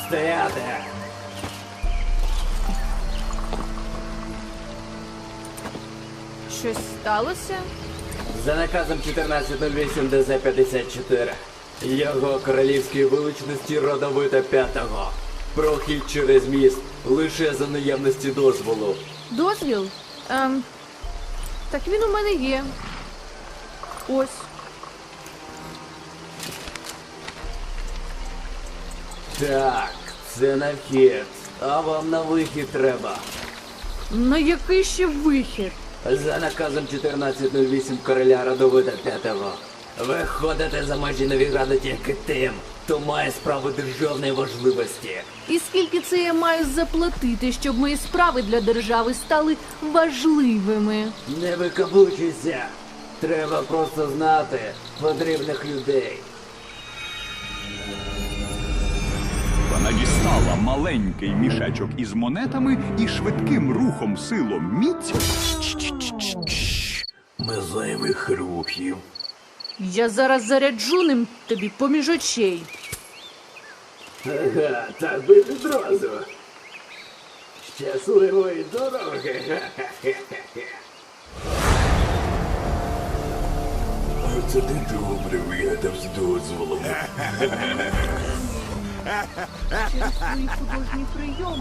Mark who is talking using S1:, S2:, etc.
S1: Стояти!
S2: Щось сталося?
S1: За наказом 1408 ДЗ-54. Його королівській величності родовита п'ятого. Прохід через міст лише за наявності дозволу.
S2: Дозвіл? Так він у мене є. Ось.
S1: Так, це на вхід. А вам на вихід треба.
S2: На який ще вихід?
S1: За наказом 1408 короля родовита п'ятого. Виходите за межі Новіграду тільки тим, хто має справу державної важливості.
S2: І скільки це я маю заплатити, щоб мої справи для держави стали важливими?
S1: Не викаблучуйся. Треба просто знати потрібних людей.
S3: Вона дістала маленький мішечок із монетами і швидким рухом силом міць.
S1: Без зайвих рухів.
S2: Я зараз заряджу ним тобі поміж очей.
S1: Ага, так би відразу. Щасливої дороги. Оце ти добре вигадав з дозволом.
S2: Через свої художні прийоми.